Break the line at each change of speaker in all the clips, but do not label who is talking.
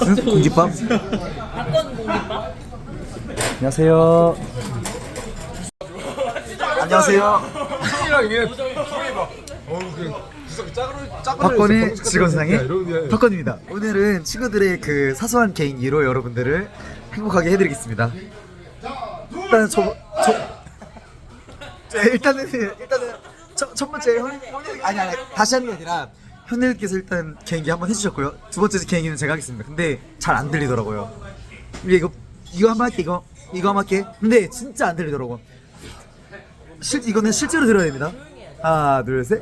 공깃밥?
박건 공깃밥?
안녕하세요. 안녕하세요.
형이랑 이게 형이 막 그 짜그러
박건의 직원상의 박건입니다. 오늘은 친구들의 그 사소한 개인기로 여러분들을 행복하게 해드리겠습니다. 일단 일단은 첫 번째 아니 다시 하는 게 아니라 현일께서 일단 개인기 한번 해주셨고요. 두 번째 개인기는 제가 하겠습니다. 근데 잘 안 들리더라고요. 이거 한번 할게. 이거 한번 할게. 근데 진짜 안 들리더라고. 이거는 실제로 들어야 됩니다. 하나 둘 셋.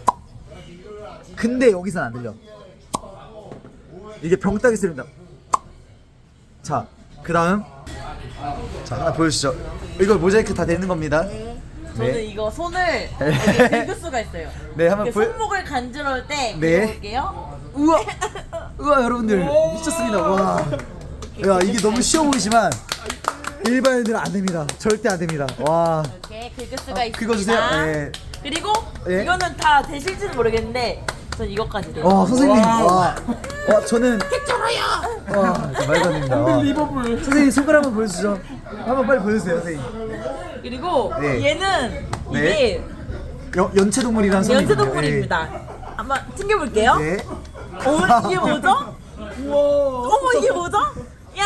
근데 여기선 안 들려. 이게 병따기 소리입니다. 자, 그 다음 자 하나 보여주시죠. 이거 모자이크 다 되는 겁니다.
저는
네.
이거 손을 이렇게 긁을 수가 있어요.
네, 한번
이렇게 손목을 간지러울 때
네.
긁어볼게요.
우와 여러분들 미쳤습니다. 와, 야 이게 너무 쉬워 보이지만 일반인들은 안 됩니다. 절대 안 됩니다. 와,
이렇게 긁을 수가 있습니다.
긁어주세요. 네.
그리고
네.
이거는 다 되실지는 모르겠는데 전 이것까지 돼요.
와 선생님, 와 저는 괜찮아요. 와 말도 안 됩니다. 와. 선생님 손가락 한번 보여주시죠. 한번 빨리 보여주세요, 선생님.
그리고
네.
얘는
네.
이게
연체동물이라는 소리.
연체동물입니다. 한번 튕겨볼게요.
네.
이게 뭐죠? 어머 이게 뭐죠? 야!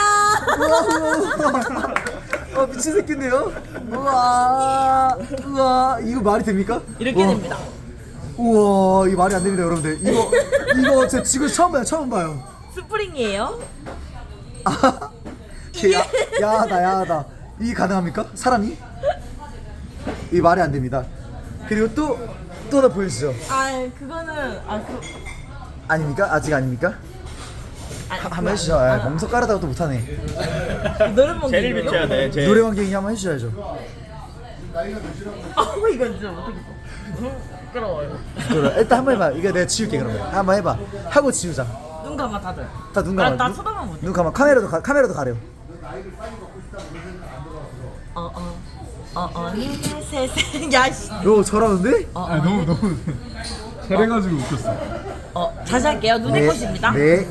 미친 새끼인데요? 우와 이거 말이 됩니까?
이렇게
우와.
됩니다.
우와 이거 말이 안 됩니다, 여러분들. 이거 제가 지금 처음 봐요.
스프링이에요.
야하다. 이게 가능합니까? 사람이? 이 말이 안 됩니다. 그리고 또 하나 보여주죠.
그거는
아닙니까? 아직 아닙니까? 한번 해주죠. 멍석 깔아다가 또 못하네.
노래방
쟤를 비춰야 돼. 쟤.
노래방갱이 한번 해주셔야죠.
이거 진짜 못하겠어. 부끄러워요.
그래, 일단 한번 해봐. 이거 내가 지울게 그러면. 한번 해봐. 하고 지우자.
눈 감아 다들.
다 눈 감아.
나 쳐다보면 못해.
눈 감아. 카메라도 가려.
세상. 야씨.
요 잘하는데?
너무 잘해가지고 웃겼어.
다시 할게요. 눈의 꽃입니다.
네.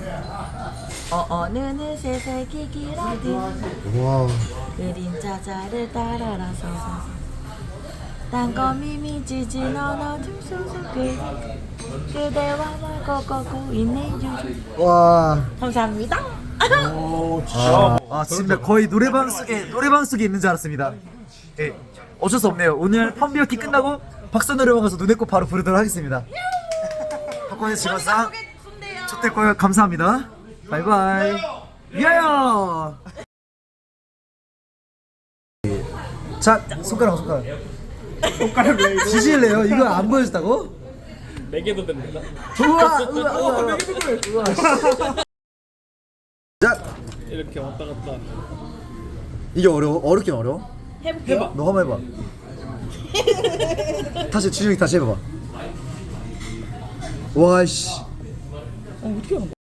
눈을 새색이 길어진
와.
그림자자를 따라라서 땅거미 미지진 어둠 속에 그대와 나 걷고 있는 중.
와.
감사합니다.
진짜 거의 노래방 속에 있는 줄 알았습니다. 예. 어쩔 수 없네요. 오늘 펌비어키 끝나고 박사 노래방 가서 눈의 꽃 바로 부르도록 하겠습니다. 박건의 직원상 좋댔고요. 감사합니다. 바이바이. 위하여. 자, 손가락.
왜
지질래요? 이거 안 보여줬다고?
매개도 됩니다.
우와. 자,
이렇게 왔다 갔다.
이게 어렵긴 어려워.
해볼게요.
너 한번 해봐. 다시 지중이 다시 해봐봐. 와씨.
어떻게 하는 거야?